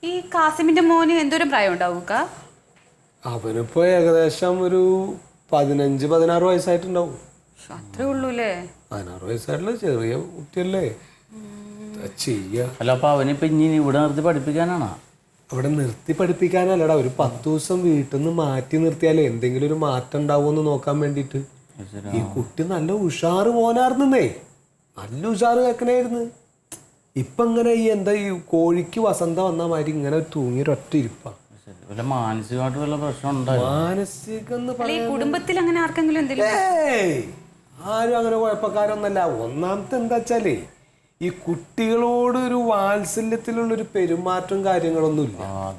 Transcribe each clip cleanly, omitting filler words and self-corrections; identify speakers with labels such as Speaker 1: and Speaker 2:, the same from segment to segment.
Speaker 1: ഈ കാസിമിന്റെ മോന് എന്തോരം പ്രായം ഉണ്ടാവും?
Speaker 2: അവനിപ്പോ ഏകദേശം ഒരു 15-16 വയസ്സായിട്ടുണ്ടാവും.
Speaker 1: അത്രേ ഉള്ളൂല്ലേ?
Speaker 2: 16 വയസ്സായിട്ടുള്ള ചെറിയ കുട്ടിയല്ലേ.
Speaker 3: അല്ല, അപ്പൊ അവനിപ്പോ ഇനി ഇവിടെ നിർത്തി പഠിപ്പിക്കാനാണോ?
Speaker 2: അവിടെ നിർത്തി പഠിപ്പിക്കാനല്ലടാ, ഒരു 10 ദിവസം വീട്ടിൽ നിന്ന് മാറ്റി നിർത്തിയാലേ എന്തെങ്കിലും ഒരു മാറ്റം ഉണ്ടാവുമെന്ന് നോക്കാൻ വേണ്ടിട്ട്. ഈ കുട്ടി നല്ല ഉഷാറ് മോനായിരുന്നേ, നല്ല ഉഷാറ് കേക്കണായിരുന്നു. ഇപ്പൊ ഇങ്ങനെ ഈ എന്താ ഈ കോഴിക്ക് വസന്ത വന്ന മാതിരി ഇങ്ങനെ തൂങ്ങിയൊരൊറ്റ ഇരിപ്പാ.
Speaker 3: മാനസികമായിട്ട് വല്ല പ്രശ്നം
Speaker 2: മാനസികം
Speaker 1: കുടുംബത്തിൽ അങ്ങനെ ആർക്കെങ്കിലും എന്തെങ്കിലും?
Speaker 2: ആരും അങ്ങനെ കുഴപ്പക്കാരൊന്നല്ല. ഒന്നാമത്തെ എന്താ വെച്ചാലേ ഈ കുട്ടികളോട് ഒരു വാത്സല്യത്തിലുള്ളൊരു പെരുമാറ്റം കാര്യങ്ങളൊന്നുമില്ല.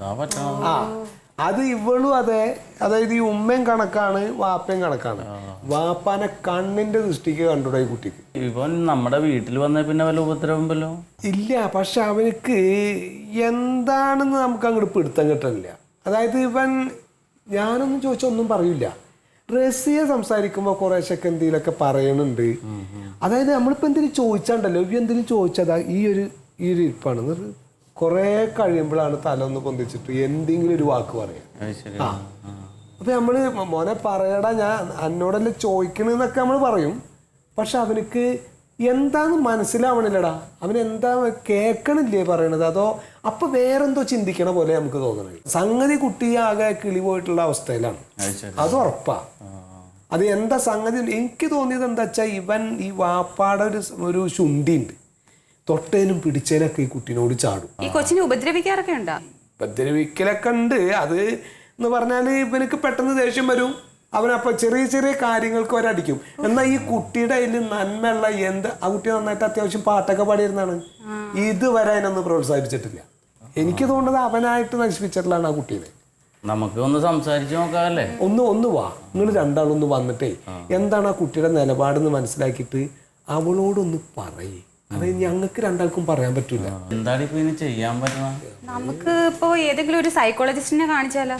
Speaker 2: അത് ഇവളും അതെ. അതായത് ഈ ഉമ്മയും കണക്കാണ്, വാപ്പയും കണക്കാണ്. വാപ്പാനെ കണ്ണിന്റെ ദൃഷ്ടിക്ക് കണ്ടുകൂടാ ഈ കുട്ടിക്ക്.
Speaker 3: ഇവൻ നമ്മുടെ വീട്ടിൽ വന്ന പിന്നെ വല്ല ഉപദ്രവമ്പല്ലോ
Speaker 2: ഇല്ല. പക്ഷെ അവനക്ക് എന്താണെന്ന് നമുക്ക് അങ്ങോട്ട് പിടുത്തം കിട്ടണില്ല. അതായത് ഇവൻ ഞാനൊന്നും ചോദിച്ചാൽ ഒന്നും പറയില്ല. റസിയെ സംസാരിക്കുമ്പോൾ കുറേശ്ശൊക്കെ എന്തെങ്കിലുമൊക്കെ പറയണുണ്ട്. അതായത് നമ്മളിപ്പോൾ എന്തെങ്കിലും ചോദിച്ചാണ്ടല്ലോ, ഇവ എന്തെങ്കിലും ചോദിച്ചതാ ഈ ഒരു ഇരിപ്പാണ്. കുറേ കഴിയുമ്പോഴാണ് തല ഒന്ന് പൊന്തിച്ചിട്ട് എന്തെങ്കിലും ഒരു വാക്ക് പറയാം. അപ്പൊ നമ്മള് മോനെ പറയടാ, ഞാൻ എന്നോടല്ലേ ചോദിക്കണെന്നൊക്കെ നമ്മൾ പറയും. പക്ഷെ അവനക്ക് എന്താന്ന് മനസ്സിലാവണില്ലടാ. അവനെന്താ കേൾക്കണില്ലേ പറയണത്, അതോ അപ്പൊ വേറെന്തോ ചിന്തിക്കണ പോലെ നമുക്ക് തോന്നണത്. സംഗതി കുട്ടി ആകെ കിളി പോയിട്ടുള്ള അവസ്ഥയിലാണ്, അത് ഉറപ്പാ. അത് എന്താ സംഗതി എനിക്ക് തോന്നിയത് എന്താ വെച്ചാൽ ഇവൻ ഈ വാപ്പാടെ ഒരു ശുണ്ഠി ഉണ്ട്. തൊട്ടേനും പിടിച്ചേനൊക്കെ ഈ കുട്ടീനോട് ചാടും.
Speaker 1: ഈ കൊച്ചിനെ ഉപദ്രവിക്കാറൊക്കെ ഉണ്ടോ?
Speaker 2: ഉപദ്രവിക്കലൊക്കെ ഉണ്ട്. അത് എന്ന് പറഞ്ഞാൽ ഇവനക്ക് പെട്ടെന്ന് ദേഷ്യം വരും. അവനപ്പൊ ചെറിയ ചെറിയ കാര്യങ്ങൾക്ക് ഒരടിക്കും. എന്നാൽ ഈ കുട്ടിയുടെ അതിൽ നന്മയുള്ള ആ കുട്ടി നന്നായിട്ട് അത്യാവശ്യം പാട്ടൊക്കെ പാടിയിരുന്നാണ്. ഇതുവരെ അതിനൊന്നും പ്രോത്സാഹിപ്പിച്ചിട്ടില്ല. എനിക്ക് തോന്നുന്നത് അവനായിട്ട് നശിപ്പിച്ചിട്ടുള്ളതാണ് ആ കുട്ടീനെ.
Speaker 3: നമുക്ക് ഒന്ന് സംസാരിച്ച് നോക്കാല്ലേ?
Speaker 2: ഒന്ന് വാ, നിങ്ങൾ രണ്ടാളൊന്ന് വന്നിട്ടേ എന്താണ് ആ കുട്ടിയുടെ നിലപാടെന്ന് മനസ്സിലാക്കിയിട്ട് അവളോടൊന്ന് പറയേ. അത് ഞങ്ങൾക്ക് രണ്ടാൾക്കും പറയാൻ പറ്റൂല.
Speaker 3: എന്താണ് ഇപ്പൊ ഇനി ചെയ്യാൻ പറ്റുക?
Speaker 1: നമുക്ക് ഇപ്പോ ഏതെങ്കിലും ഒരു സൈക്കോളജിസ്റ്റിനെ കാണിച്ചാലോ?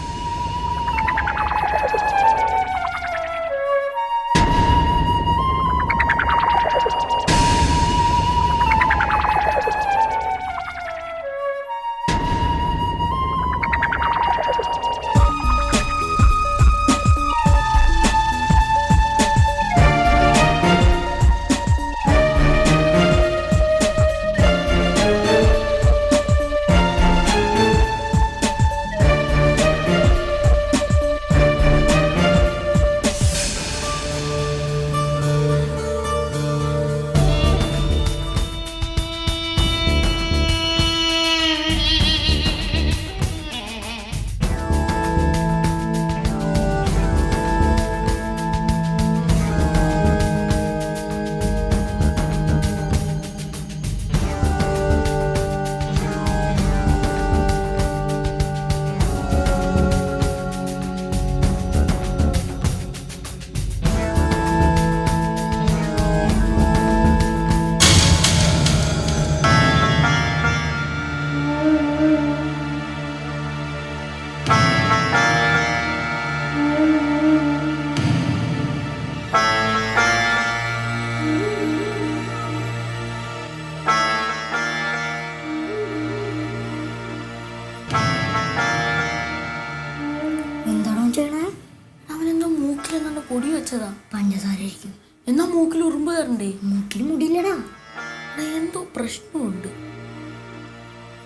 Speaker 4: പൊടി വെച്ചതാ, പഞ്ചസാരയായിരിക്കും. എന്നാ മൂക്കിൽ ഉറുമ്പ് കയറണ്ടേ? മൂക്കിൽ മുടിയില്ലടാ, എന്തോ പ്രശ്നമുണ്ട്.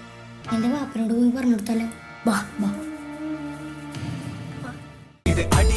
Speaker 4: എന്റെ വാപ്പനോട് പോയി പറഞ്ഞു കൊടുത്താലോ? വാ വാ.